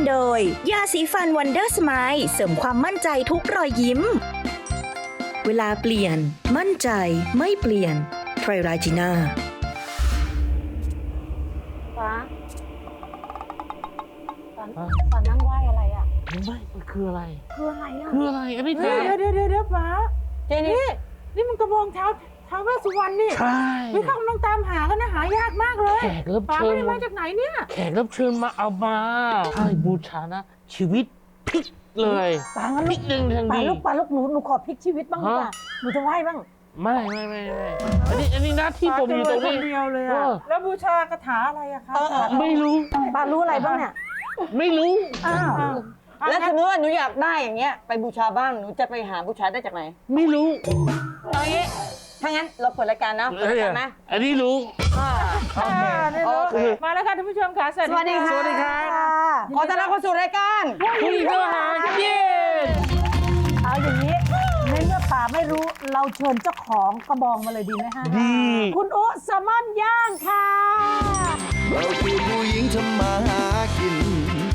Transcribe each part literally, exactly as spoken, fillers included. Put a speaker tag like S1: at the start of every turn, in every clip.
S1: โดยยาสีฟันวันเดอร์สไมล์เสริมความมั่นใจทุกรอยยิ้มเวลาเปลี่ยนมั่นใจไม่เปลี่ยนไทรราจิน่า
S2: ฟ้าฟ้าฟ้านั่งไหว้อะไรอ่ะ
S3: ไม่มันคืออะไร
S2: คืออะไรอ่ะ
S3: คืออะไรอันนี้
S4: เดี๋ยวเดี๋ยวเดี๋ยวเดี๋ยวฟ้า
S2: เจนี่
S4: นี่มันกระบองเท้าท้าวเวสสุวรรณนี่
S3: ใช่
S4: ไม่เขากำลังตามหากันนะหายากมากเลย
S3: แขกรับ
S4: ฟ้า
S3: เชิญ
S4: ไม่ได้มาจากไหนเนี่ย
S3: แขกรับเชิญมาเอามาใช่บูชานะชีวิตพลิกเลย
S2: ฟ้างั้น
S3: พ
S2: ลู
S3: ลิ
S2: ก
S3: กหนึ่งทัน
S2: ฟ้า
S3: ที
S2: ลูกฟ้าลูกหนูหนูขอพลิกชีวิตบ้างดีกว่าหนูจะไหว้บ้าง
S3: ไม่ไม่ไม่ไม่อันนี้อันนี้หน้าที่ผมอยู่ตรงนี้
S4: เดียวเลยอะแล้วบูชากระถาอะไรอะคะ
S3: ไม่รู้
S2: ฟ้ารู้อะไรบ้างเนี่ย
S3: ไม่รู้
S2: อ้าวแล้วสมมติว่าหนูอยากได้อย่างเงี้ยไปบูชาบ้างหนูจะไปหาบูชาได้จากไหน
S3: ไม่รู้
S2: เอางี้ถ้างั้นเราเปิดรายการนะเปิดรายการนะ
S3: อันนี้รู้
S4: โอเคมาแล้วค่ะท่านผู้ชมค่ะสวัสดีค่ะ
S3: สวัสดีครับ
S2: ขอต้อนรับเข้าสู่รายการ
S3: ผู้หญิงก็หาเย็น
S2: เอาอย่างนี้ในเมื่อป่าไม่รู้เราเชิญเจ้าของกระบองมาเลยดีไหมฮะ
S3: ดี
S2: คุณโอ๊ตแซลมอนย่างค่ะ
S5: เราคือผู้หญิงทำมาหากิน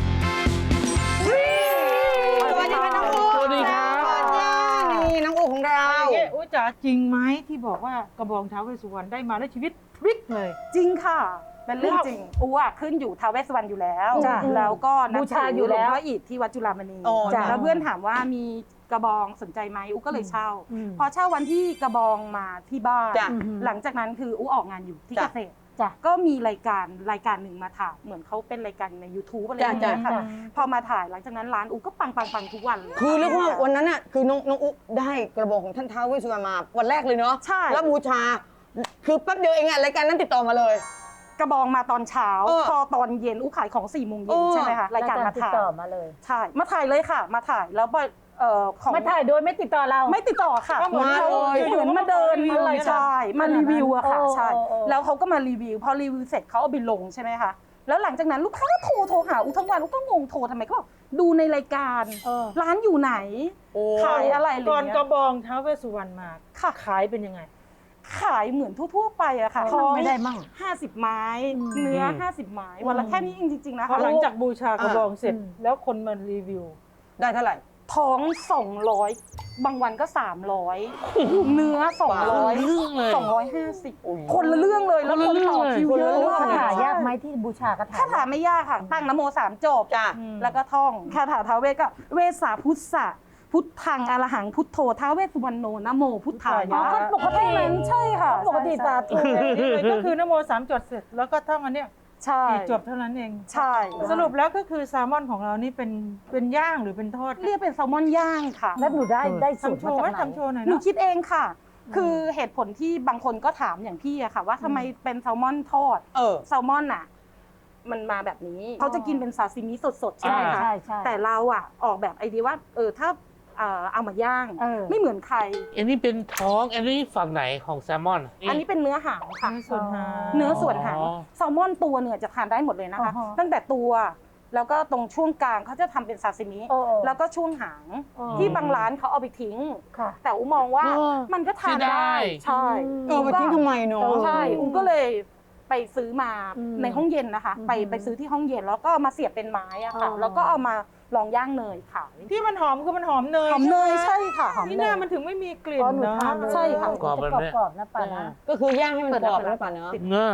S2: สวัสดีค่ะน้องอู๋
S3: สวัสดีครับ
S2: นี่น้องอู๋ของเรา
S4: อุ๊จ๋าจริงไหมที่บอกว่ากระบองท้าวเวสสุวรรณได้มาแล้วชีวิตพลิกเลย
S6: จริงค่ะเป็นเรื่องจริงอู๋อะขึ้นอยู่ท้าวเวสสุวรรณอยู่แล้วแล้วก็บูชาอยู่แล้วหลวงพ่ออิฐที่วัดจุฬามณีแล้วเพื่อนถามว่ามีกระบองสนใจไหมอู๋ก็เลยเช่าพอเช่าวันที่กระบองมาที่บ้านหลังจากนั้นคืออู๋ออกงานอยู่ที่เกษตรก็มีรายการรายการหนึ่งมาถ่ายเหมือนเขาเป็นรายการใน YouTube อะไรอย่างเงี้ยค่ะพอมาถ่ายหลังจากนั้นร้านอู๋ก็ปังปังปังทุกวันเลย
S2: คือเรียกว่าวันนั้นน่ะคือน้องน้องอู๋ได้กระบองของท่านท้าวเวสสุวรรณมาวันแรกเลยเนาะ
S6: ใช่
S2: แล้วบูชาคือแป๊บเดียวเองอะรายการนั้นติดต่อมาเลย
S6: กระบองมาตอนเช้าพอตอนเย็นอู๋ขายของสี่โมงเย็นใช่ไหมคะรายการมาถ่าย
S2: ต่อมาเลย
S6: ใช่มาถ่ายเลยค่ะมาถ่ายแล้วเอ่อของ
S2: ไม่ถ่ายโดยไม่ติดต่อเรา
S6: ไม่ติดต่อค่ะ
S2: เหมือนเขา
S6: เหมือนมาเดินอะไรใช่มารีวิวอะค่ะใช่แล้วเขาก็มารีวิวพอรีวิวเสร็จเขาเอาไปลงใช่ไหมคะแล้วหลังจากนั้นลูกค้าก็โทรโทรหาอูทั้งวันอูก็งงโทรทำไมก็บอกดูในรายการร้านอยู่ไหนขายอะไรอะไรเงี้ย
S4: ก่อนกระบองท้าวเวสสุวรรณมาค่ะขายเป็นยังไง
S6: ขายเหมือนทั่วๆไปอะค่ะ
S2: ท้องไม่ได้มั่ง
S6: ห้าสิบไม้เนื้อห้าสิบไม้วันละแค่นี้จริงๆนะคะ
S4: พอหลังจากบูชากระบองเสร็จแล้วคนมารีวิว
S2: ได้เท่าไหร่
S6: ท้องสองร้อยบางวันก็สามร้อยเนื้อสองร้อยสองร้อยห้าสิบคนละเรื่องเลยแล้วคนต่อคิวเยอะ
S2: คาถายากไหมที่บูชากระถา
S6: คาถาไม่ยากค่ะตั้งนโมสามจบแล้วก็ท่องคาถาท้าวเวสก็เวสสาพุทธะพุทธังอรหังพุทโธท้าวเวสสุวรรณโนนะโมพุทธายะ
S2: ปกติ
S6: ใช่ค่ะ
S2: ปกติสาธุ
S4: ก็คือนโมสามจบเสร็จแล้วก็ท่องอันเนี้ย
S6: ใช่
S4: จบเท่านั้นเอง
S6: ใช่
S4: สรุปแล้วก็คือแซลมอนของเรานี่เป็นเป็นย่างหรือเป็นทอด
S6: เรียกเป็นแซลมอนย่างค่ะ
S2: แล้วหนูได้ได้สูตรมาจากไหน
S4: ทำโชว์หน่อย
S6: หนูคิดเองค่ะคือเหตุผลที่บางคนก็ถามอย่างพี่อะค่ะว่าทำไมเป็นแซลมอนทอดแซลมอนอะมันมาแบบนี้เขาจะกินเป็นซาซิมิสดๆใช่ไหมคะแต่เราอะออกแบบไอเดียว่าเออถ้าเอามาย่างไม่เหมือนใคร
S3: อันนี้เป็นท้องอันนี้ฝั่งไหนของแซลมอน
S6: อันนี้เป็นเนื้อหางค่ะ
S4: ส่วนหาง
S6: เนื้อส่วนหางแซลมอนตัวเนี่ยจะทานได้หมดเลยนะคะตั้งแต่ตัวแล้วก็ตรงช่วงกลางเขาจะทำเป็นซาซิมิแล้วก็ช่วงหางที่บางร้านเขาเอาไปทิ้งแต่อูมองว่ามันก็ทานได้ใช่
S2: เออไปทิ้งทำไมเนาะ
S6: ใช่อูก็เลยไปซื้อมาในห้องเย็นนะคะไปไปซื้อที่ห้องเย็นแล้วก็มาเสียบเป็นไม้อะค่ะแล้วก็เอามาลองย่างเนยขาย
S4: ที่มันหอมคือมันหอมเนย
S6: หอมเนยใช่ค่ะหอม
S4: นี่หน้ามันถึงไม่มีกลิ่นเนาะ
S6: ใช่ค่ะ
S3: กรอบแบบนี้
S2: กรอบนะป่านะก็คือย่างให้มันกรอบนะป่าเนาะ
S3: เนื้อ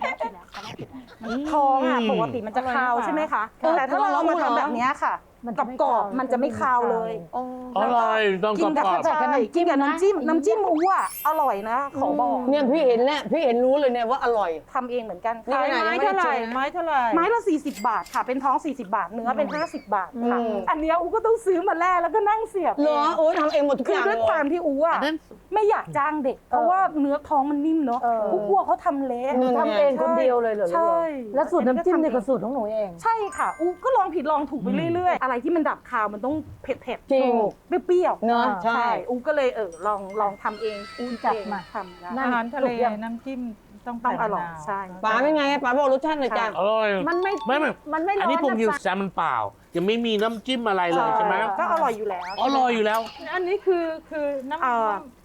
S6: ท้องอ่ะปกติมันจะคาวใช่ไหมคะแต่ถ้าเรามาทำแบบนี้ค่ะกรอบมันจะไม่คาวเลย
S3: อร่อยต้องกรอบกรอบ
S6: ใช่กินกับน้ำจิ้มน้ำจิ้มอู๋อ่ะอร่อยนะขอบอก
S2: เนี่ยพี่เห็นแล้วพี่เห็นรู้เลยเนี่ยว่าอร่อย
S6: ทำเองเหมือนกัน
S4: ขายไม้เท่าไหร่ไม้เท่าไหร่
S6: ไม้ละสี่สิบบาทค่ะเป็นท้องสี่สิบบาทเนื้อเป็นห้าสิบบาทค่ะอันนี้อู๋ก็ต้องซื้อมาแล่แล้วก็นั่งเสียบ
S2: เหรอโอ้ทำเองหมดทุกอย่าง
S6: คือด้วยความที่อู๋อ่ะไม่อยากจ้างเด็กเพราะว่าเนื้อท้องมันนิ่มเนาะอู๋กลัวเขาทำเละ
S2: ทำเองคนเดียวเลยเหรอ
S6: ใช่
S2: แล้วสูตรน้ำจิ้มเนี่ยก็สูตรของหนูเอง
S6: ใช่ค่ะอู๋ก็ลองผิดลองถูกไปเรื่อยๆอะไรที่มันดับคาวมันต้องเผ็ดๆ
S2: จริง
S6: เปรี้ยว
S2: เนาะใช่
S6: อูก็เลยเออลองลองทำเองอู
S2: จับมา
S6: ทำ
S4: อาหารทะเลน้ำจิ้มต้อง
S6: ต้องอร่อยใช่
S2: ป๋าเป็นไงป๋าบอกรสชาติหน่อยจ้ะ
S3: อร่อย
S2: มันไม่
S3: ไม่ไม่
S2: มันไม่ร้อน
S3: อันนี้ผมอยู่แซลมอนเปล่ายังไม่มีน้ำจิ้มอะไรเลยใช่ไหม
S6: ก็อร่อยอยู่แล้ว
S3: อร่อยอยู่แล้ว
S4: อันนี้คือคือน้ำ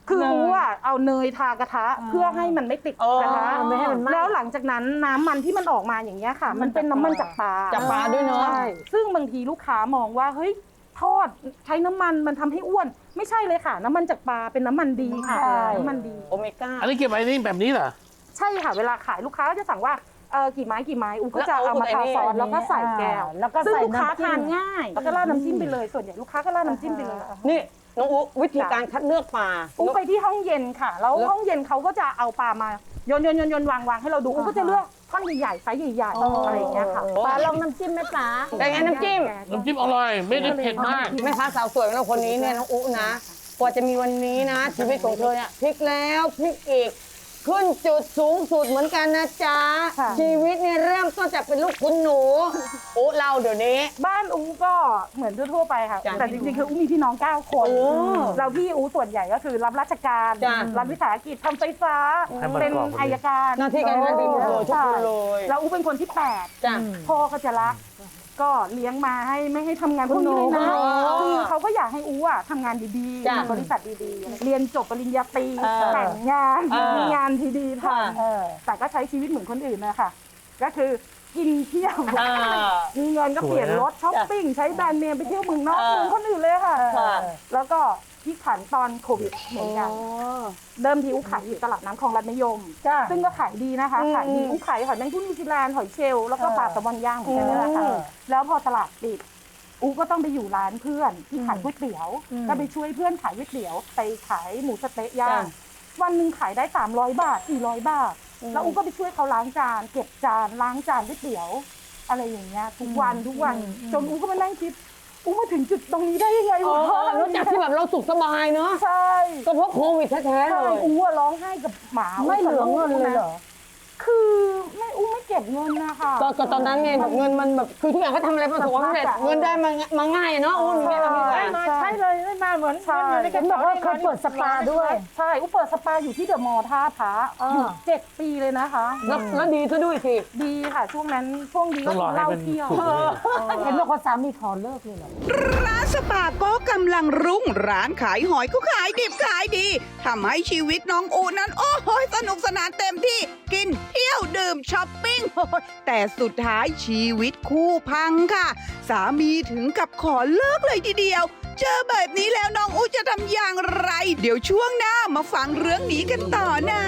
S6: คืออู๋อะเอาเนยทากระทะเพื่อให้มันไม่ติดกระทะ
S2: ไม่ให้มันไหม้
S6: แล้วหลังจากนั้นน้ำมันที่มันออกมาอย่างเงี้ยค่ะ มันเป็นน้ำมันจากปลา
S7: จากปลาด้วยเนาะ
S6: ใช่ซึ่งบางทีลูกค้ามองว่าเฮ้ยทอดใช้น้ำมันมันทำให้อ้วน ไม่ใช่เลยค่ะ น้ำมันจากปลาเป็นน้ำมันดีค่ะน้ำมันดี
S7: โอเมก้า
S3: อันนี้เก็บไว้นี่แบบนี้เหรอ
S6: ใช่ค่ะเวลาขายลูกค้าก็จะสั่งว่าเออกี่ไม้กี่ไม้อูก็จะเอามาทาซอสแล้วก็ใส่แก้ว
S2: แล้วก็
S6: ซึ่ง
S2: ใส่
S6: ลูกค้า
S2: น้ำจิ้ม
S6: ทานง่ายแล้วก็ราดน้ำจิ้มไปเลยส่วนใหญ่ลูกค้าก็ราดน้ำจิ้มไปเลย
S7: นี่น้องอุ๊วิธีการคัดเลือกปลา
S6: อูไปที่ห้องเย็นค่ะ แล้วห้องเย็นเขาก็จะเอาปลามาโยนโยนโยนโยนวางวางให้เราดูอูก็จะเลือกท่อนใหญ่ๆไซส์ใหญ่ๆอะไรอย่างเงี้ยค่ะ
S2: ปลาลองน้ำจิ้มไหมจ๊ะ
S7: เป็นไงน้ำจิ้ม
S3: น้ำจิ้มอร่อย ไม่ได้เผ็ดมาก
S7: แม่ค้าสาวสวยของเราคนนี้เนี่ยน้องอุ๊นะกว่าจะมีวันนี้นะ ชีวิตของเธอเนี่ยพลิกแล้วพลิกอีก ขึ้นจุดสูงสุดเหมือนกันนะจ๊ะ
S6: ค่ะ
S7: ชีวิตเนี่ยเริ่มต้นจากเป็นลูกคุณหนูอุ๊เราเดี๋ยวนี้
S6: บ้านอูก็เหมือนทั่วๆไปค่ะ
S7: จ้ะ
S6: แต่จริงๆ คืออูมีพี่น้อง เก้า คน
S7: โอ้
S6: เราพี่อูส่วนใหญ่ก็คือรับราชการ
S7: จ้ะ
S6: รับวิสาหกิจทำไฟฟ้า
S3: ให้มัน
S6: เป็น
S3: กรอบพอดี
S6: อายการ
S7: หน้าที่การงานดีหมดเลยทุกคนเลย
S6: แล้วอูเป็นคนที่แปด
S7: จ้ะ
S6: พ่อก็จะรัก ก็เลี้ยงมาให้ไม่ให้ทำงานพวกนี้เลยนะ
S7: อ๋อ
S6: คือเขาก็อยากให้อูอ่ะทำงานดี
S7: จ้ะ
S6: ๆบริษัทดีๆ เรียนจบปริญญาตรี
S7: เออ
S6: แต่งงาน
S7: เออ
S6: มีงานที่ดีท
S7: ค่ะ
S6: ำแต่ก็ใช้ชีวิตเหมือนคนอื่นนะคะก็คือกินเที่ยว
S7: อ่า
S6: มีเงินก็เปลี่ยนรถช้อปปิ้งใช้แบรนด์เนมไปเที่ยวเมืองนอก
S7: เออ
S6: เหมือนคนอื่นเลยค่ะ
S7: ค่ะ
S6: แล้วก็ที่ขันตอนโควิดเหมือนกัน เริ่มที่อุ้ขายอยู่ตลาดน้ำคลองรัฐนิยม
S2: จ้ะ
S6: ซึ่งก็ขายดีนะคะ
S7: อืม
S6: ขายดีอุ้ขายหอยแมงผู้นิวซีแลนด์หอยเชลล์แล้วก็ปลาแซลมอนย่างเหมือนกันนี่แหละค่ะ
S7: อืม
S6: แล้วพอตลาดปิดอูก็ต้องไปอยู่ร้านเพื่อนที่ขายก๋วยเตี๋ยว ก็ไปช่วยเพื่อนขายก๋วยเตี๋ยวไปขายหมูสะเต๊ะย่างวันหนึ่งขายได้สามร้อยบาทสี่ร้อยบาท แล้วอูก็ไปช่วยเขาล้างจานเก็บจานล้างจานก๋วยเตี๋ยว อะไรอย่างเงี้ยทุกวันทุกวันจนอูก็มานั่งคิดอูมาถึงจุดตรงนี้ได้ยังไง
S7: อ๋อ
S6: วะ
S7: แล้วจากที่แบบเราสุขสบายเนาะ
S6: ใช่
S7: ก็เพราะโควิดแท้ๆเล
S6: ใช่
S7: ย
S6: อูอะร้องไห้กับหมา
S2: ไม่เหลือเงินเลยเหรอ
S6: คือไม่อูไม่เก็บเงินนะคะ
S7: ก็ก็ตอนนั้นไงแบบเงินมันแบบคือทุกอย่างก็ทำอะไรประสบความสำเร็จเงินได้มามาง่ายเนาะอุ้นอย่างเงี้ยทำยังไง
S4: ได้มาใช่เลยได้มาเหมือน
S6: ใช่
S4: เหมือนในก
S2: เห็
S4: ระ
S2: นบอก
S4: เป๋า
S2: ว่าเคยเปิดสปาด้วย
S6: ใช่อูเปิดสปาอยู่ที่เดอะมอลล์ท่าพระอยู่เจ็ดปีเลยนะคะ
S7: แล้วแล้วดีซะด้วยสิ
S6: ดีค่ะช่วงนั้นช่วงดี
S3: ต้
S6: ก็
S3: องรอให้
S6: เหล้า
S3: เป็น
S6: เที่ยว
S3: สุกเลย
S2: เห็นบอกว่าสามีขอเลิกเลยเหรอ
S8: ร้านสปาก็กำลังรุ่งร้านขายหอยก็ขายดิบขายดีทำให้ชีวิตน้องอูนั้น โอ้โหสนุกสนานเต็มที่กินเที่ยวดื่มช้อปปิ้งโอ้โหแต่สุดท้ายชีวิตคู่พังค่ะ สามีถึงกับขอเลิกเลยทีเดียว เจอแบบนี้แล้วน้องอูจะทำอย่างไร เดี๋ยวช่วงหน้ามาฟังเรื่องนี้กันต่อนะ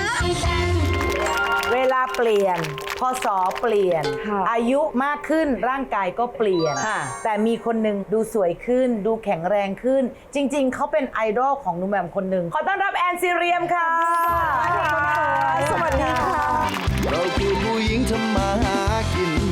S9: เวลาเปลี่ยนพศเปลี่ยน อายุมากขึ้นร่างกายก็เปลี่ยน
S7: ค่ะ
S9: แต่มีคนหนึ่งดูสวยขึ้น ดูแข็งแรงขึ้น จริง ๆ เขาเป็นไอดอลของหนุ่มแหม่มคนหนึ่งขอต้อนรับแอนซีเรียมค่ะ สวัสดีค่ะ
S5: เราคือผู้หญิงทำมาหากิน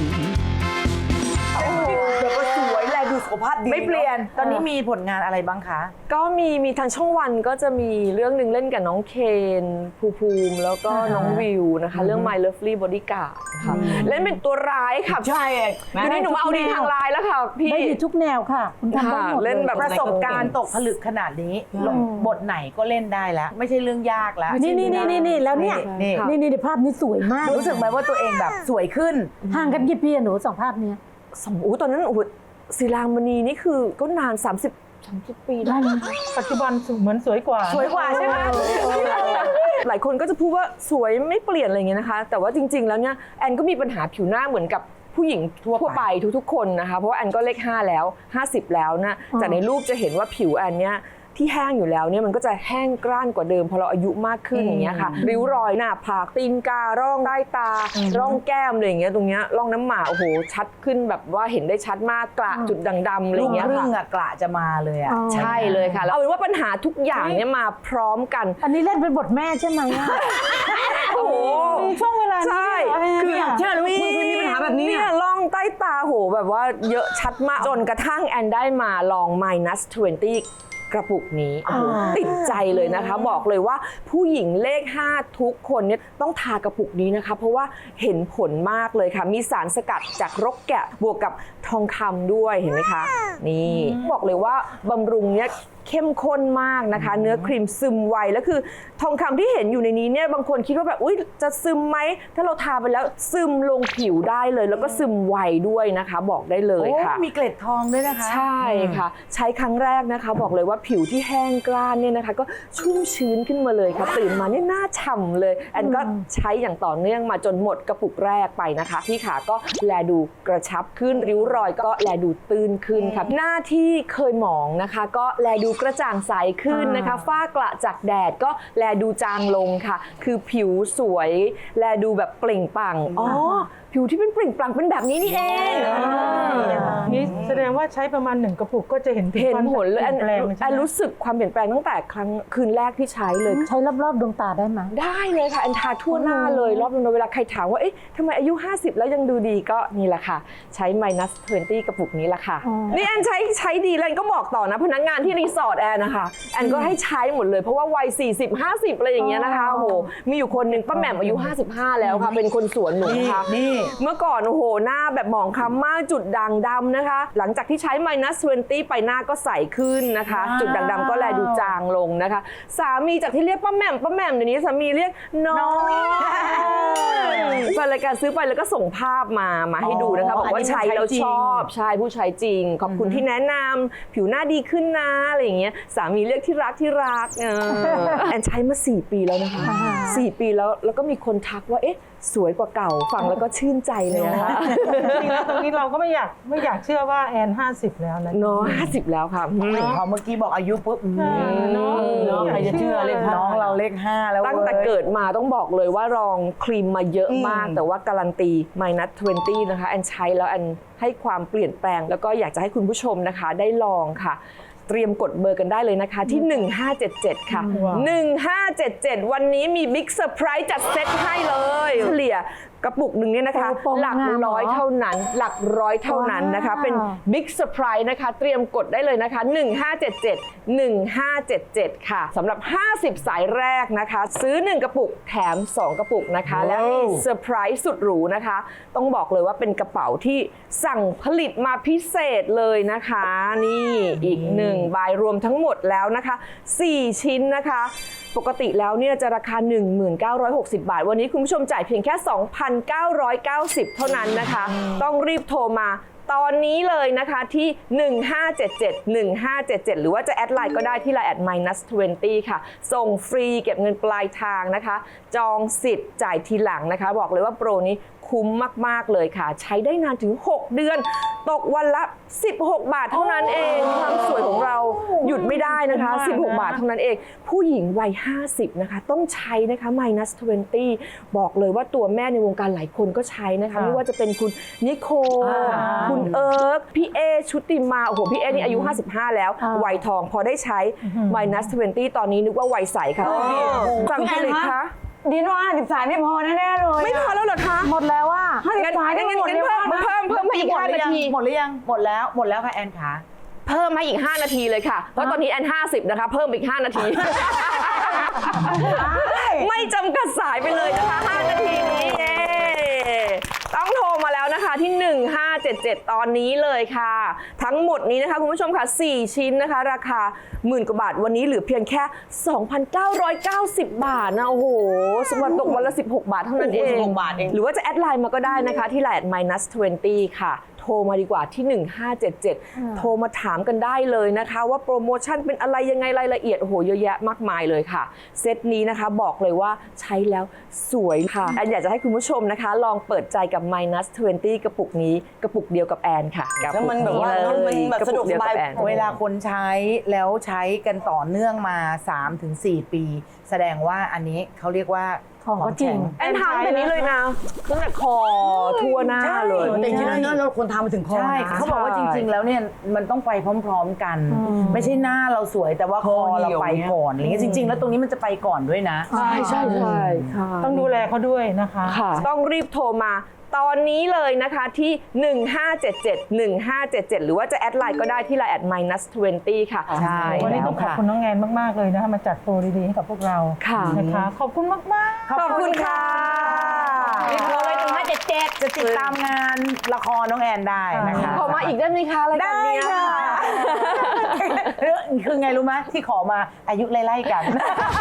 S9: เดี๋ยวก็สวยแลดูสุขภาพดีไม่เปลี่ยน ตอนนี้มีผลงานอะไรบ้างคะ
S10: ก็มีมีทางช่องวันก็จะมีเรื่องหนึ่งเล่นกับน้องเคนภูมิภูมิ แล้วก็น้องวิวนะคะ เรื่อง My Lovely Bodyguard ค่ะเล่นเป็นตัวร้ายค่ะ
S9: ใช่
S10: ทีนี้หนูมาเอาดีทางร้ายแล้วค่ะพี่
S2: ได้ดีทุกแนวค่ะ คุณทำได้หมด
S10: ค่ะเล่นแบบ
S9: ประสบการณ์ตกผลึกขนาดนี้ลงบทไหนก็เล่นได้แล้ว ไม่ใช่เรื่องยากแล้ว
S2: นี่นี่นี่นี่นี่แล้วเนี่ย
S9: นี่
S2: นี่นี่ภาพนี้สวยมาก
S9: รู้สึกไหมว่าตัวเองแบบสวยขึ้น
S2: ห่างกันกี่ปีอะหนูสองภาพเนี้ย
S10: สมอู้ตอนนั้นโอ้โหศิลามณีนี่คือก็นาน สามสิบ สามสิบ ปีได้
S4: ปัจจุบันเหมือนสวยกว่า
S9: สวยกว่าใช่ไหม
S10: หลายคนก็จะพูดว่าสวยไม่เปลี่ยนอะไรอย่างเงี้ยนะคะ แต่ว่าจริง ๆ แล้วเนี่ยแอนก็มีปัญหาผิวหน้าเหมือนกับผู้หญิงทั่วไปทุกๆคนนะคะเพราะว่าแอนก็เลขห้าแล้วห้าสิบแล้วนะจากในรูปจะเห็นว่าผิวแอนเนี่ยที่แห้งอยู่แล้วเนี่ยมันก็จะแห้งกร้านกว่าเดิมพอเราอายุมากขึ้นอย่างเงี้ยค่ะริ้วรอยหน้าผากตีนการ่องใต้ตา ร่องแก้มอะไรอย่างเงี้ยตรงเนี้ยร่องน้ำหมาโอ้โหชัดขึ้นแบบว่าเห็นได้ชัดมากกระจุดด่างดำอะไรอ
S9: ลูก
S10: ย่างเงี้ย
S9: ครึ่
S10: ค่ะ
S9: งอะกระจะมาเลยอะ
S10: ใช่เลยค่ะแล้วเอาเป็นว่าปัญหาทุกอย่างเนี่ยมาพร้อมกัน
S2: อันนี้เล่นเป็นบทแม่ใช่ไหมอะ
S10: โอ้โห
S2: มีช่วงเวลานี้
S10: ใช่
S2: เหรอ
S10: คือ
S2: เนี่ย
S7: เชื่อเลยว่าคุณเคยมีปัญหาแบบนี้
S10: เนี่ย
S7: อะ
S10: ล่องใต้ตาโหแบบว่าเยอะชัดมาก จนกระทั่งแอนได้มาลอง minus ยี่สิบ กระปุกนี้โอ้โหติดใจเลยนะคะ บอกเลยว่าผู้หญิงเลขห้าทุกคนเนี่ยต้องทากระปุกนี้นะคะ เพราะว่าเห็นผลมากเลยค่ะ มีสารสกัดจากรกแกะบวกกับทองคำด้วยเห็นไหมคะ นี่บอกเลยว่าบำรุงเนี่ยเข้มข้นมากนะคะ เนื้อครีมซึมไวแล้วคือทองคำที่เห็นอยู่ในนี้เนี่ยบางคนคิดว่าแบบอุ๊ยจะซึมไหมถ้าเราทาไปแล้วซึมลงผิวได้เลย แล้วก็ซึมไวด้วยนะคะบอกได้เลยค่ะ
S9: โอ้มีเกล็ดทองด้วยนะคะ
S10: ใช่ค่ะ ใช้ครั้งแรกนะคะ บอกเลยว่าผิวที่แห้งกร้านเนี่ยนะคะ ก็ชุ่มชื้นขึ้นมาเลยค่ะตื่นมาเนี่ยหน้าฉ่ำเลยแอนก็ใช้อย่างต่อเนื่องมาจนหมดกระปุกแรกไปนะคะที่ขาก็แลดูกระชับขึ้นริ้วรอยก็แลดูตื้นขึ้นค่ะหน้าที่เคยหมองนะคะ ก็แลดูกระจ่างใสขึ้นนะคะฝ้ากระจากแดดก็แลดูจางลงค่ะ คือผิวสวยแลดูแบบเปล่งปลั่งอ๋อผิวที่เป็นเปล่งปลั่งเป็นแบบนี้นี่เอง
S4: นี่แสดงว่าใช้ประมาณหนึ่งกระปุกก็จะเห็น
S10: เห็นผลเลยแอน
S4: แปลง
S10: แอนรู้สึกความเปลี่ยนแปลงตั้งแต่ครั้งคืนแรกที่ใช้เลย
S2: ใช้รอบๆดวงตาได้ไหม
S10: ได้เลยค่ะแอนทาทั่วหน้าเลยรอบนึงเวลาใครถามว่าเอ๊ะทำไมอายุห้าสิบแล้วยังดูดีก็นี่แหละค่ะใช้ minus ยี่สิบ กระปุกนี้แหละค่ะนี่แอนใช้ใช้ดีแล้วแอนก็บอกต่อนะพนักงานที่รีสอร์ทแอนนะคะแอนก็ให้ใช้หมดเลยเพราะว่าวัยสี่สิบ ห้าสิบอะไรอย่างเงี้ยนะคะโอ้โหมีอยู่คนหนึ่งป้าแหม่มอายุห้าสิบห้าแล้วค่ะเป็นคนสวนหนูค่ะเมื่อก่อนโอ้โหหน้าแบบหมองคล้ำมากจุดด่างดำนะคะหลังจากที่ใช้ minus ยี่สิบ ไปหน้าก็ใสขึ้นนะคะจุดด่างดำก็แลดูจางลงนะคะสามีจากที่เรียกป้าแหม่มป้าแหม่มเดี๋ยวนี้สามีเรียกน้อยแฟนรายการซื้อไปแล้วก็ส่งภาพมามาให้ดูนะคะบอกว่าใช้แล้วชอบใช่ผู้ใช้จริงขอบคุณที่แนะนำผิวหน้าดีขึ้นนะอะไรอย่างเงี้ยสามีเรียกที่รักที่รักเออแอนใช้มาสี่ปีแล้วนะคะสี่ปีแล้วแล้วก็มีคนทักว่าเอ๊ะสวยกว่าเก่าฟังแล้วก็ชื่นใจเลยนะคะ
S4: จริงๆแล้วตรงนี้เราก็ไม่อยากไม่อยากเชื่อว่าแอนห้าสิบแล้วนะ
S10: เนาะห้าสิบแล้วค่ะ
S9: พอเมื่อกี้บอกอายุปุ๊บอืม
S4: เนาะ
S9: เนาะใครจะเชื่อเลขน้องเราเลขห้าแล้วเว้ย
S10: ตั้งแต่เกิดมาต้องบอกเลยว่าลองครีมมาเยอะมาก แต่ว่าการันตี minus ยี่สิบ นะคะแอนใช้แล้วแอนให้ความเปลี่ยนแปลง แล้วก็อยากจะให้คุณผู้ชมนะคะได้ลองค่ะ เตรียมกดเบอร์กันได้เลยนะคะที่หนึ่งห้าเจ็ดเจ็ดค่ะหนึ่งห้าเจ็ดเจ็ดวันนี้มีบิ๊กเซอร์ไพรส์จัดเซตให้เลยเฉลี่ยกระปุกหนึ่งเนี่ยนะคะหลักร้อยเท่านั้นหลักร้อยเท่านั้นนะคะเป็นบิ๊กเซอร์ไพรส์นะคะเตรียมกดได้เลยนะคะหนึ่งห้าเจ็ดเจ็ด หนึ่งห้าเจ็ดเจ็ดค่ะสำหรับห้าสิบสายแรกนะคะซื้อหนึ่งกระปุกแถมสองกระปุกนะคะแล้วมีเซอร์ไพรส์สุดหรูนะคะต้องบอกเลยว่าเป็นกระเป๋าที่สั่งผลิตมาพิเศษเลยนะคะนี่อีกหนึ่งใบรวมทั้งหมดแล้วนะคะสี่ชิ้นนะคะปกติแล้วเนี่ยจะราคา หนึ่งพันเก้าร้อยหกสิบ บาทวันนี้คุณผู้ชมจ่ายเพียงแค่ สองพันเก้าร้อยเก้าสิบ เท่านั้นนะคะต้องรีบโทรมาตอนนี้เลยนะคะที่หนึ่งห้าเจ็ดเจ็ด หนึ่งห้าเจ็ดเจ็ดหรือว่าจะแอดไลน์ก็ได้ที่ไลน์แอด minus ยี่สิบ ค่ะส่งฟรีเก็บเงินปลายทางนะคะจองสิทธิ์จ่ายทีหลังนะคะบอกเลยว่าโปรนี้คุ้มมากๆเลยค่ะใช้ได้นานถึงหกเดือนตกวันละสิบหกบาทเท่านั้นเองความสวยของเราหยุดไม่ได้นะคะสิบหกบาทเท่านั้นเองผู้หญิงวัยห้าสิบนะคะต้องใช้นะคะ minus ยี่สิบ บอกเลยว่าตัวแม่ในวงการหลายคนก็ใช้นะคะไม่ว่าจะเป็นคุณนิโคคุณเอิร์กพี่เอชุติมาโอ้โหพี่เอนี่อายุห้าสิบห้าแล้ววัยทองพอได้ใช้ minus ยี่สิบ ตอนนี้นึกว่าวัยใสค่ะสั่งผลิตคะ
S7: ดีนว่าสิบสายไม่พอแน่ๆเลย
S10: ไม่พอแล้วเหรอคะ
S2: หมดแล้วว่า
S10: งั้นงั้นงั้นเพิ่มเพิ่มเพิ่มมาอีกห้านาที
S9: หมดหรือยังหมดแล้วหมดแล้วค่ะแอนขา
S10: เพิ่มมาอีกห้านาทีเลยค่ะเพราะตอนนี้แอนห้าสิบนะคะเพิ่มอีกห้านาทีไม่จำกัดสายไปเลยนะคะห้านาทีนี้เย้ต้องโทรมาแล้วนะคะที่หนึ่งห้าเจ็ดเจ็ดตอนนี้เลยค่ะทั้งหมดนี้นะคะคุณผู้ชมค่ะสี่ชิ้นนะคะราคาหมื่นกว่าบาทวันนี้เหลือเพียงแค่ สองพันเก้าร้อยเก้าสิบ บาทนะโอ้โหสมบัติตกวันละสิบหกบาทเท่านั้นเองหรือว่าจะแอดไลน์มาก็ได้นะคะที่ไลน์ minus ยี่สิบ ค่ะโทรมาดีกว่าที่หนึ่งห้าเจ็ดเจ็ดโทรมาถามกันได้เลยนะคะว่าโปรโมชั่นเป็นอะไรยังไงรายละเอียดโอ้โหเยอะแยะมากมายเลยค่ะเซตนี้นะคะบอกเลยว่าใช้แล้วสวยค่ะแอนอยากจะให้คุณผู้ชมนะคะลองเปิดใจกับ minus ยี่สิบ กระปุกนี้กระปุกเดียวกับแอนค่ะแล้วมันแบบว่ามันแบบสะดวกสบาย
S9: เวลาคนใช้แล้วใช้กันต่อเนื่องมา สามถึงสี่ ปีแสดงว่าอันนี้เขาเรียกว่าของจริง
S10: แอนทำแบบนี้เลยนะตั้งแต่คอทั่วหน้าเลย
S9: แต่จริงๆแล้วเราควรทำมาถึงคอใช่เขาบอกว่าจริงๆแล้วเนี่ยมันต้องไปพร้อมๆกันไม่ใช่หน้าเราสวยแต่ว่าคอเราไปก่อนอะไรเงี้ยจริงๆแล้วตรงนี้มันจะไปก่อนด้วยนะ
S10: ใช่ใช่ใช่
S4: ต้องดูแลเขาด้วยนะคะ
S10: ต้องรีบโทรมาตอนนี้เลยนะคะที่หนึ่งห้าเจ็ดเจ็ด หนึ่งห้าเจ็ดเจ็ดหรือว่าจะแอดไลน์ก็ได้ที่ไลน์แอด minus ยี่สิบ ค่ะ
S9: ใช่
S4: วันนี้ต้องขอบคุณน้องแอนมากๆเลยนะคะมาจัดโปรดีๆให้กับพวกเรานะคะขอบคุณมาก
S10: ๆขอบคุณค่ะ
S9: รีบโทรเลยหนึ่งห้าเจ็ดเจ็ดจะติดตามงานละครน้องแอนได้นะคะ
S10: ขอมาอีกได้ไหมคะรายการนี้
S9: ได้ค่ะคือไงรู้ไหมที่ขอมาอายุไล่ๆกัน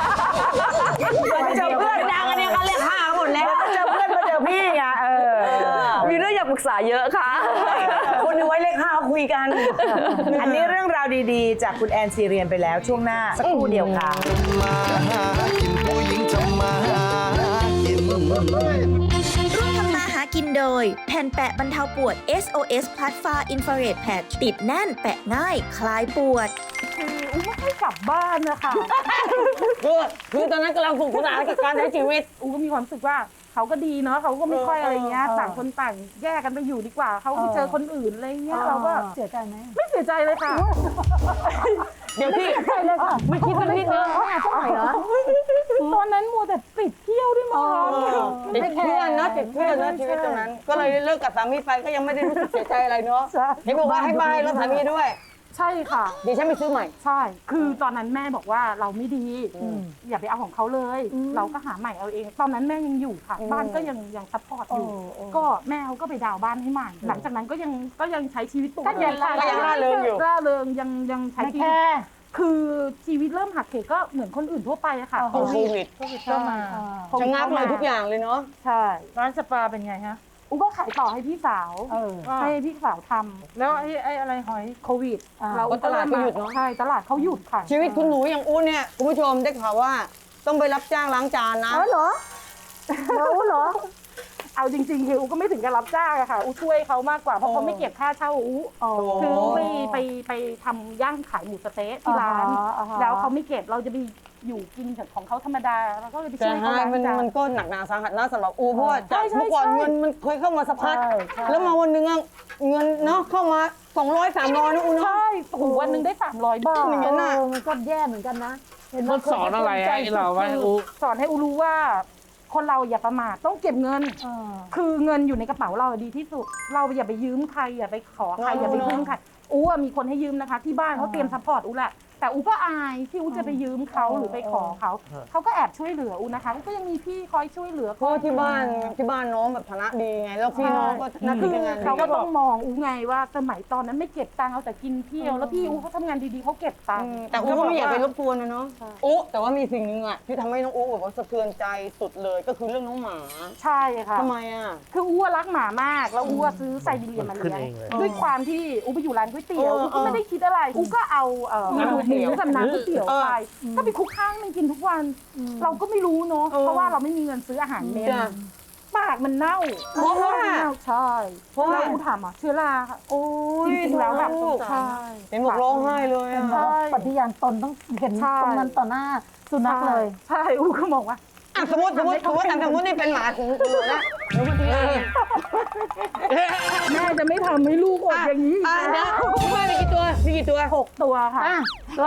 S9: เจอเพื่อนดังอันนี้เขาเรียกห้าหมดแล้วเจอเพื่อนมาเจอพี่ไงเออ
S10: มีเรื่องอยากปรึกษาเยอะค่ะ
S9: คนดูไว้เลขห้าคุยกัน อันนี้เรื่องราวดีๆ จากคุณแอนซีเรียนไปแล้วช่วงหน้าสักครู่เดียวค่ะ
S5: มาหากินผู้หญิงทำมาหากิน
S1: ร่วมทำมาหากินโดย แผ่นแปะบรรเทาปวด เอส โอ เอส Plus Far Infrared Patch ติดแน่นแปะง่ายคลายปวด
S6: อุ้ไม่ให้กลับบ้านนะคะ
S7: คือคือตอนนั้นกำลังสนุกสนานกับการใช้ชีวิต
S6: อูก็มีความรู้สึกว่าเขาก็ดีเนาะเขาก็ไม่ค่อยอะไรเงี้ยต่างคนต่างแยกกันไปอยู่ดีกว่าเขาไปเจอคนอื่นอะไรเงี้ยเราก็
S2: เสียใจไหม
S6: ไม่เสียใจเลยค่ะ
S7: เดี๋ยวพี่
S2: ใช่เลยค่ะ
S7: ไม่คิดสักนิดเลย
S2: เขาหาเท่าไหร่เหรอ
S6: ตอนนั้นมัวแต่ติดเที่ยวด้วยมั้งคะ
S7: ติดเพื่อนนะติดเพื่อนนะชีวิตตรงนั้น ก็เลยเลิกกับสามีไปก็ยังไม่ได้รู้สึกเสียใจอะไรเนาะเห็นบอกว่าให้บ้านรถสามีด้วย
S6: ใช่ค่ะ
S7: เดี๋ยวฉันไปซื้อใหม่
S6: ใช่ คือตอนนั้นแม่บอกว่าเราไม่ดีอย่าไปเอาของเขาเลย เราก็หาใหม่เอาเอง ตอนนั้นแม่ยังอยู่ค่ะ บ้านก็ยังยังซัพพอร์ตอยู่ ก็แม่เขาก็ไปดาวน์บ้านให้ใหม่ หลังจากนั้นก็ยังก็ยังใช้ชีวิตปกติ
S7: ก็ยังร่าเริงอยู่
S6: ร่าเริงยังยังใช้ชีวิตคือชีวิตเริ่มหักเหก็เหมือนคนอื่นทั่วไปอะค่ะ
S7: โควิด
S4: โควิดเข้ามา
S7: ชะงักเลยทุกอย่างเลยเนาะ
S6: ใช่
S4: ร้านสปาเป็นไงฮะ
S6: อุ้ก็ขายต่อให้พี่สาว
S4: ว่า
S6: ให้พี่สาวทำ
S4: แล้วไอ้ไอ้อะไรหอย
S6: โควิด
S7: เราตลาดก็หยุดเนอะ
S6: ใช่ตลาดเขาหยุดค่ะ
S7: ชีวิตคุณหนูอย่างอู้เนี่ยคุณผู้ชมได้ข่าวว่าต้องไปรับจ้างล้างจานนะ
S2: เออเหรอรู้เหรอ
S6: เอาจริงๆคืออูก็ไม่ถึงกับรับจ้างอะค่ะอูช่วยเขามากกว่าเพราะเขาไม่เก็บค่าเช่าอูคืออูไปไปไปทำย่างขายหมูสะเต๊ะที่ร้าน
S2: อ่าฮะอ่าฮะ
S6: แล้วเขาไม่เก็บเราจะไปอยู่กินของเขาธรรมดาเราก็เลยไป
S7: แต่
S6: ช่วยเขา
S7: ฮะ
S6: ล้าง
S7: มัน
S6: จาน
S7: มันก็หนักหนาสาหัสนะสำหรับอูเพราะว่า
S6: ใช่
S7: จาก
S6: ใช่
S7: เมื่อก่อน
S6: ใช่
S7: เงินมันเคยเข้ามาสะพัด
S2: ใช่ใช่
S7: แล้วมาวันหนึงอะเงินเนาะเข้ามาสองร้อยสามร้อยนะอูเนาะ
S6: ใช่โอ้โหวันหนึ่งได้สามร้อยบาท
S7: อย่างนั้นน่ะ
S2: เออมันก็แย่เหมือนกันนะเห็นไหม
S3: มันสอนอะไรให้เราไว้อู
S6: สอนให้อูรู้ว่า คนเราอย่าประมาทต้องเก็บเงิน
S2: เออ
S6: คือเงินอยู่ในกระเป๋าเราดีที่สุด เราอย่าไปยืมใครอย่าไปขอใครอย่าไปพึ่งใครอูอะมีคนให้ยืมนะคะ ที่บ้านเขาเตรียมซัพพอร์ตอูแหละแต่อูก็อายที่อูจะไปยืมเขาหรือไปขอเขาเขาก็แอบช่วยเหลืออูนะคะอูก็ยังมีพี่คอยช่วยเหลือ
S7: เพราะว่าที่บ้านที่บ้านน้องแบบฐานะดีไง แล้วพี่น้องก็หน้า
S6: คื
S7: ที่
S6: อ
S7: การงานดี
S6: เขาก็ต้องมองอูไงว่าสมัยตอนนั้นไม่เก็บตังค์เอาแต่กินเที่ยวแล้วพี่อูเขาทำงานดีๆเขาเก็บตังค์
S7: แต่อูก็ไม่อยากไปรบกวนนะเนาะอูแต่ว่ามีสิ่งหนึ่งอะที่ทำให้น้องอูแบบว่าสะเทือนใจสุดเลยก็คือเรื่องน้องหมา
S6: ใช่ค่ะ
S7: ทำไมอะ
S6: คืออูอะรักหมามากแล้วอูอะซื้อไซบีเรียนมาเลี้ยง
S3: ขึ้นเองเลย
S6: ด้วยความที่อูไปอยู่ร้านก๋วยเตี๋ยว
S7: เออ
S6: อูก็ไม่ได้คิดอะไรอูก็เอาเอ่อ
S7: น้ำก๋วยเตี๋ยว
S6: หมูกับน้ำก๋วยเตี๋ยวไปก็ไปคลุกข้างมันกินทุกวัน เราก็ไม่รู้เนาะเพราะว่าเราไม่มีเงินซื้ออาหารเม็ด
S7: จ้ะ
S6: ปากมันเน่า
S7: เพราะว่า
S6: เน่าใช่
S7: เพราะว่า
S6: แล้วอูถามอ่ะเชื้อราค่ะ
S7: โอ้ย
S6: จริงๆแล้วแบบ
S7: ลูก
S6: ใช่
S7: เห็นบอกร้องไห้เลยอะ
S6: ใช่
S2: ปฏิญาณตนต้องเห็น
S6: ใช่
S2: ตรงนั้นต่อหน้าสุนัขเลย
S6: ใช่อูก็บอกว่า
S7: อ่ะสมมติสมมติสมมติอ่ะสมมตินี่เป็นหมาของหนูนะหนูคนนี้
S6: แม่จะไม่ทำให้ลูกอดอย่างนี้อีก
S7: อ่ะ
S6: นะ
S7: เดี๋ยวคุณแม่มีกี่ตัวมีกี่ตัว
S6: หกตัวค่ะ
S2: ตัว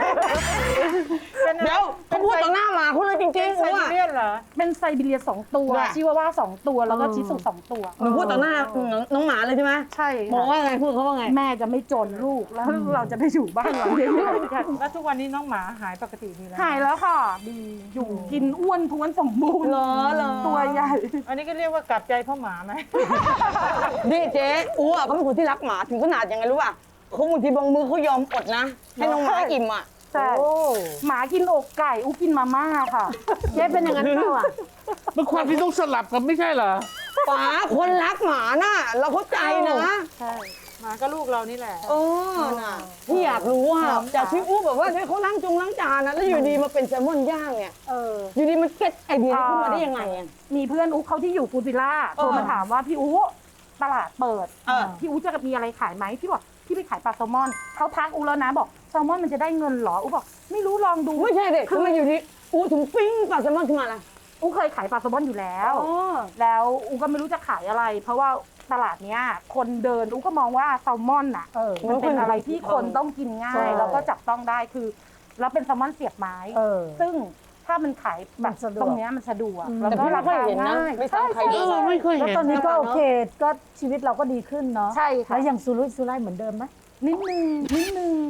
S7: เดี๋ยวเขาพูดต่อหน้าหมาเขาเลยจริง
S4: เป็น
S7: ๆ
S4: ไซ
S7: หนู
S4: บี
S7: อ่ะ
S4: เรียนเหรอ
S6: เป็นไซบีเรียสองตัว
S7: ว่ะ
S6: ชิวาว่าสองตัวแล้วก็ชิสุสองตัว
S7: หนูพูดต่อหน้าน้องหมาเลยใช่ไหม
S6: ใช่
S7: บอก
S6: ค่ะ
S7: ว่าไงพูดเขาว่าไง
S6: แม่จะไม่จนลูกแล้วเราจะไปอยู่บ้านหลังเดียวกัน
S4: แล้วทุกวันนี้น้องหมาหายปกติดีแล้ว
S6: หายแล้วค่ะ ดีอยู่กินอ้วนท้วนสมบูรณ์
S7: เหรอเหรอ
S6: ตัวใหญ่
S4: อันนี้ก็เรียกว่ากลับใจเพราะหมาไหม
S7: นี่เจ๊อูอ่ะเขาเป็นคนที่รักหมาถึงขนาดยังไงรู้ป่ะเขาบางทีบางมือเขายอมอดนะ ให้น้องหมาอิ่มอ่ะ
S6: ใช่หมากินอกไก่อู้กินมาม่าค่ะ
S2: เจ๊เป็นอย่างนั้นเปล่าอ่ะ
S3: มันความที่ต้องสลับกันไม่ใช่เหรอ
S7: ป๋าคนรักหมาน่ะเราเข้าใจนะ
S6: ใช่
S4: หมาก็ลูกเรานี่แหละ
S7: เออน่ะพี่อยากรู้อ่ะจากที่อู้แบบว่าที่เขาล้างจงล้างจานนะแล้วอยู่ดีมาเป็นแซลมอนย่างเนี่ย
S6: เออ
S7: อยู่ดีมันเก็ตไอเดียนี้ขึ้นมาได้ยังไงอ่ะ
S6: มีเพื่อนอุ๊เขาที่อยู่ฟูจิล่าโทรมาถามว่าพี่อุ๊ตลาดเปิด
S7: เออ
S6: พี่อุ๊จะมีอะไรขายไหมพี่บอกพี่ไปขายปลาแซลมอนเขาทักอุ๊แล้วนะบอกแซลมอนมันจะได้เงินเหรออุ๊บอกไม่รู้ลองดู
S7: ไม่ใช่เด็กทำไมอยู่ดีอู้ถึงปิ้งปลาแซลมอนขึ้นมาล่ะ
S6: อุ๊เคยขายปลาแซลมอนอยู่แล้ว
S7: อ๋อ
S6: แล้วอุ๊ก็ไม่รู้จะขายอะไร เพราะว่าตลาดเนี้ยคนเดินอุ๊ก็มองว่าแซลมอนน่ะ
S2: เออ
S6: มันเป็นอะไรที่คนต้องกินง่า
S2: ใช่
S6: ยแล้วก็จับต้องได้คือแล้วเป็นแซลมอนเสียบไม้
S2: เออ
S6: ซึ่งถ้ามันขายแบบ
S2: มันสะดวก
S6: ตรงเนี้ยมันสะดวก
S2: อืม
S6: แล้ว
S7: แต่
S6: ก็
S7: พี่ไม่
S6: รา
S7: ค่อย
S6: คา
S7: เห็นนะ
S6: ง่าย
S7: ไม่ซ้ำใคร
S3: เอ
S7: เลย
S3: อไม่เคย
S2: แล้ว
S3: เห็น
S2: ตอนนี้ก็โอเคก็ชีวิตเราก็ดีขึ้นเนาะ
S6: ใช่ค่ะ
S2: แล้วยังสุรุ่ยสุร่ายเหมือนเดิมไหม
S6: นิดนึงนิดนึง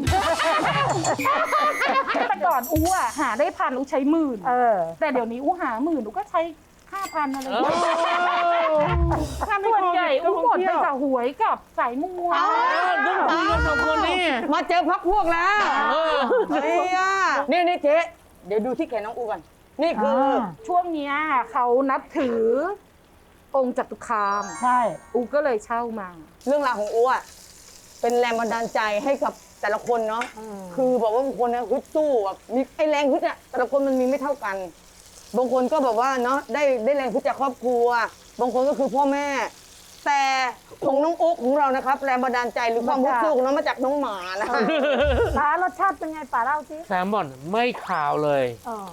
S6: แต่ก่อนอู้อ่ะหาได้พันอู้ใช้หมื่น
S2: เออ
S6: แต่เดี๋ยวนี้อู้หาหมื่นอู้ก็ใช้ห้าพันอะไรอย่างเงี้ย
S4: ถ้าไม่
S6: ส่วน
S4: โค
S6: ใหญ่
S4: วิดก็
S6: อู้
S4: ค
S6: หม
S4: ง
S6: ด
S4: เที่
S6: ไป
S4: ยว
S6: กับหวยกับสายมัว
S3: ต้องคุยกันสองคนนี่
S7: มาเจอพักพวกแล้ว
S3: เออ
S7: เนี่ยนี่นี่เจ๊เดี๋ยวดูที่แขนน้องอูก่อนนี่คืออ
S6: ช่วงเนี้ยเขานับถือองค์จตุคาม
S2: ใช่
S6: อูก็เลยเช่ามา
S7: เรื่องราวของอูอ่ะเป็นแรงบันดาลใจให้กับแต่ละคนเนาะคือบอกว่าบางคนเนี่ยฮึดสู้แบบมีไอแรงฮึดอ่ะแต่ละคนมันมีไม่เท่ากัน บางคนก็แบบว่าเนาะได้ได้แรงฮึดจากครอบครัว บางคนก็คือพ่อแม่ แต่ของน้องอุ๊กของเรานะครับแรงบันดาลใจหรือความฮึดสู้ของน้องมาจากน้องหมานะคะ
S2: ป๋ารสชาติเป็นไงป๋าเล่าสิ
S3: แซลมอนไม่ขาวเลย
S2: เออก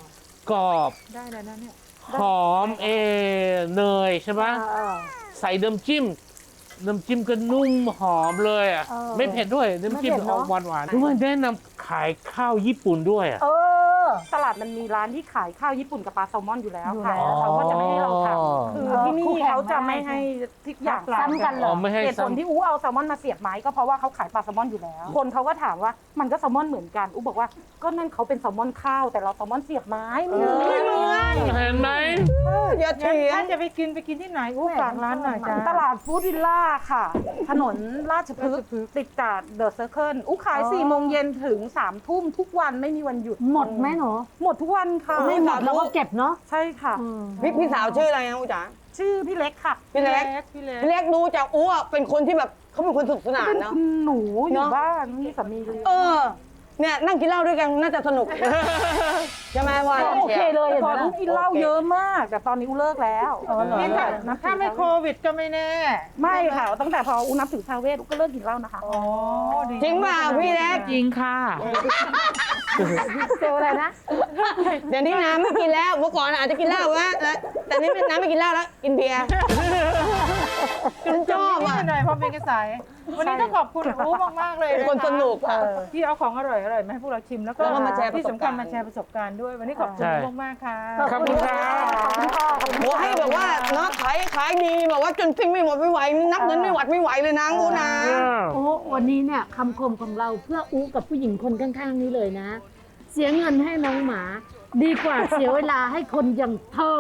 S3: รอบ
S4: ได้แล้วนะเนี่ย
S3: หอมเอเนยใช่ไหม
S2: เออเออ
S3: ใส่น้ำจิ้ม น้ำจิ้มก็นุ่มหอมเลยอ่ะ
S2: เออ
S3: ไม่เผ็ดด้วย น้ำจิ้ม
S2: ไม่เผ็ด
S3: อ
S2: เน
S3: อ
S2: อะ
S3: กหวานหวานๆด้วยแนะนำขายข้าวญี่ปุ่นด้วยอ่ะ
S2: เออ
S6: ตลาดมันมีร้านที่ขายข้าวญี่ปุ่นกับปลาแซลมอนอยู่แล้วค่ะ
S2: อยู่แล้ว
S6: เขาก็จะไม่ให้เราทำคือที่นี่
S2: คู่แข่ง
S6: เขาจะไม่ให้ทุกอย่าง
S2: ซ้ำกันเหร
S3: อ๋
S2: อ
S3: อไม่ให้
S6: เหตุผล
S3: ซ้ำ
S6: ที่อู้เอาแซลมอนมาเสียบไม้ก็เพราะว่าเขาขายปลาแซลมอนอยู่แล้ว คนเขาก็ถามว่ามันก็แซลมอนเหมือนกันอู้บอกว่าก็นั่นเขาเป็นแซลมอนข้าวแต่เราแซลมอนเสียบไม้ไม่เหมือน
S3: เห็นไหม
S7: อย่า
S4: งั้น
S7: เถียง
S4: ถ้าจะไปกินไปกินที่ไหนอู้ฝากร้านหน่อยจ้า
S6: ตลาดฟู้ดวิลล่าค่ะ ถนนราชพฤกษ์ติดกับเดอะเซอร์เคิลอู้ขายสี่โมงเย็นถึงสามทุ่มทุกวันไม่มีวันหยุด
S2: หมดไหมหนู
S6: หมดทุกวันค่ะ
S2: ไม่หมดเราก็เก็บเนาะ
S6: ใช่ค่ะ
S7: พี่พี่สาวชื่ออะไรนะอูจ๋า
S6: ชื่อพี่เล็กค่ะ
S7: พี่เล็ก
S4: พี่เล็ก
S7: พี่เล็กดูจากอูอ่ะเป็นคนที่แบบเขาเป็นคนสนุกสนาน
S6: เป็น
S7: เนาะ
S6: คุณหนูอ
S7: เน
S6: ยู่
S7: อะ
S6: บ้านมีสามีเลี้ยง
S7: เออ เนี่ยนั่งกินเหล้าด้วยกันน่าจะสนุก ใช่ไหมว่า
S2: โอเคเลยเห็น
S6: ก่
S2: ไหม
S6: อนอู้กินเหล้าเยอะมาก แต่ตอนนี้อู้เลิกแล้ว
S4: นี่ถ้าถ้าไม่โควิดก็ไม่แน่
S6: ไม่ค่ะ ตั้งแต่พออู้นับถือทาเวสอู้ก็เลิกกินเหล้านะคะ
S4: อ๋อดี
S7: จริงเปล่าพี่เล็ก
S3: จริงค่ะ
S2: เซลลอะไรนะ
S7: เดี๋ยวนี้น้ำไม่กินแล้วเมื่อก่อนอาจจะกินเหล้าว่าแต่นี่น้ำไม่กินเหล้าแล้วกินเบียร์ฉันชอบ
S4: นิ
S7: อ่ะ
S4: ดหน่อยพอเป็นกระแสวันนี้ต้องขอบคุณอู้มากๆเลย
S7: เป็นคนสนุกอ่ะ
S4: ที่เอาของอร่อยๆมาให้พวกเราชิมแล้วก็
S7: แล้วก็มาแชร์ประสบการณ์
S4: ที่สำคัญมาแชร์ประสบการณ์ด้วย วันนี้ขอบคุณมากๆค่ะ
S3: ขอบคุณครับ
S7: โอ้ให้แบบว่าเนาะขายขายดีแบบว่าจนปิ้งไม่หมดไม่ไหวนับเงินไม่หวัดไม่ไหวเลยนะงูนะ
S2: โอ้วันนี้เนี่ยคำคมของเราเพื่ออู้กับผู้หญิงคนข้างๆนี้เลยนะ เสียเงินให้น้องหมา ดีกว่าเสียเวลาให้คนอย่างเธอ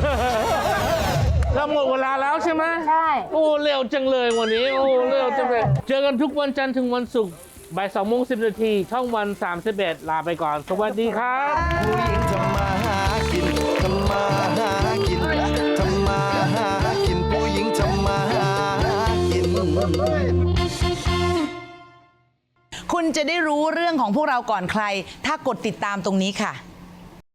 S3: เราหมดเวลาแล้วใช่ไหม
S2: ใช่
S3: โอ้เร็วจังเลยวันนี้ โอ้เร็วจังเลย เจอกันทุกวันจันทร์ถึงวันศุกร์บ่ายสองโมงสิบนาทีช่องวันสามสิบเอ็ดลาไปก่อน สวัสดีครับ
S5: ผู้หญิงทำมาหากินทำมาหากินทำมาหากินผู้หญิงทำมาหากิน
S9: คุณจะได้รู้เรื่องของพวกเราก่อนใคร ถ้ากดติดตามตรงนี้ค่ะ